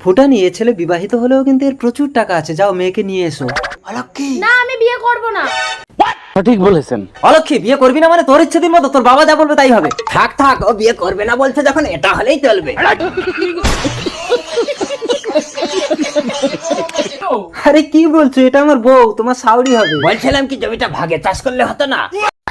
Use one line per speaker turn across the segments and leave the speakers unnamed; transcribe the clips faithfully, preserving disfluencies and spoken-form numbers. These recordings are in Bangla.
ফুটানি, এ ছেলে বিবাহিত হলেও কিন্তু এর প্রচুর টাকা আছে, যাও মেয়েকে নিয়ে এসো। অলক্ষী,
না আমি বিয়ে করব না।
সঠিক বলেছেন।
অলক্ষী, বিয়ে করবি না মানে তোর ইচ্ছে দিন মতো, তোর বাবা যা বলবে তাই হবে। থাক থাক, ও বিয়ে করবে না বলছে যখন, এটা হলেই চলবে। আরে কি বলছো, এটা আমার বউ, তোমার শাওরি হবে। বলছিলাম কি জমিটা ভাগে চাষ করলে হতো না?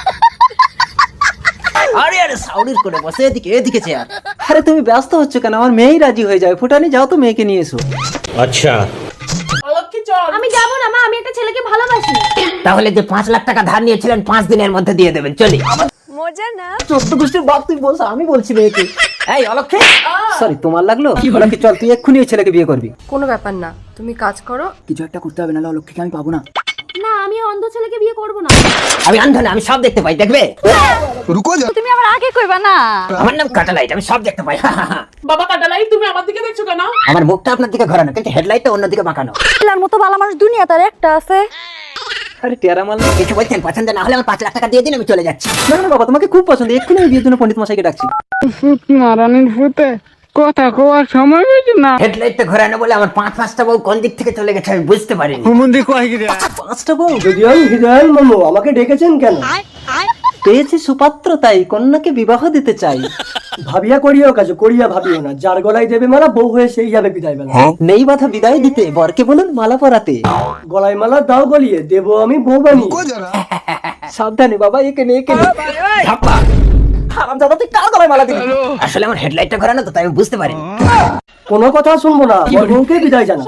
আরে আরে শাওরির করে বসে, এদিকে এদিকে চেয়ার। আরে তুমি ব্যস্ত হচ্ছ কেন, আমার মেয়েই রাজি হয়ে যাবে। ফুটানি, যাও তো মেয়েকে নিয়ে এসো।
আচ্ছা,
আমি যাব না মা, আমি একটা ছেলেকে ভালোবাসি।
তাহলে যে পাঁচ লাখ টাকা ধার নিয়েছিলেন পাঁচ দিনের মধ্যে দিয়ে দেবেন, চলি।
মজা না।
চোদ্দ গোষ্ঠীর বাপ তুই বলছ, আমি বলছি মেয়েকে। এই অলক্ষী, সরি তোমার লাগলো। অলক্ষী চল, তুই এক্ষুনি এই ছেলেকে বিয়ে করবি।
কোনো ব্যাপার না, তুমি কাজ করো।
কিছু একটা করতে হবে, নাহলে অলক্ষীকে আমি পাবো না।
না আমি অন্ধ ছেলেকে বিয়ে করব না।
আমি অন্ধ না, আমি সব দেখতে পাই, দেখবে?
তুমি আমার আগে কইবা না।
আমার নাম কাটালাইট, আমি সব দেখতে পাই।
বাবা কাটালাই, তুমি আমার দিকে দেখছো কেন?
আমার মুখটা আপনার দিকে ঘোরানো, কিন্তু হেডলাইটটা অন্যদিকে বাঁকানো।
এলার মতো ভালো মানুষ দুনিয়া তার একটা আছে।
আরে টেরা মাল, কিছু বলছেন? পছন্দ না হলে আমার পাঁচ লাখ টাকা দিয়ে দিন, আমি চলে যাচ্ছি। না না বাবা, তোমাকে খুব পছন্দ, এক্ষুনি আমি বিয়ের জন্য পণ্ডিত মশাইকে ডাকছি।
মারানির ভূতে কথা কোয়ার সময় পেয়েছি না।
হেডলাইটটা ঘোরানো বলে আমার পাঁচ পাঁচটা বউ কোন দিক থেকে চলে গেছে আমি বুঝতে পারিনি। পাঁচটা বউ?
যদি আমি হৃদয়াল মামু, আমাকে ডেকেছেন কেন?
পেয়েছি সুপাত্র, তাই কন্যাকে বিবাহ দিতে চাই।
ভাবিয়া করিও কাজ, করিয়া ভাবিও না। যার গলায় দেবে মালা, বউ হয়ে সেই যাবে বিদায় বেলা।
নেই বাধা বিদায় দিতে, বরকে বলুন মালা পরাতে।
গলায় মালা দাও গলিয়ে, দেবো আমি বউ বানিয়ে।
সাবধানে বাবা, একে নে একে নে। ধাপ্পা। হারামজাদা, তুই কার গলায় মালা দিবি? আসলে আমার হেডলাইটটা ঘোরানো তো, তাই আমি বুঝতে পারিনি।
কোনো কথা শুনবো না, আমার বউকে বিদায় জানা।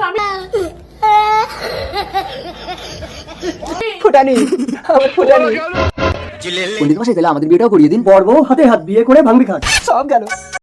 ফুটানি, আমার ফুটানি। পণ্ডিত মশাই, তাহলে আমাদের বিয়েটাও করিয়ে দিন।
বর বউ হাতে হাত বিয়ে করে ভাঙবি খাট।
সব গেল।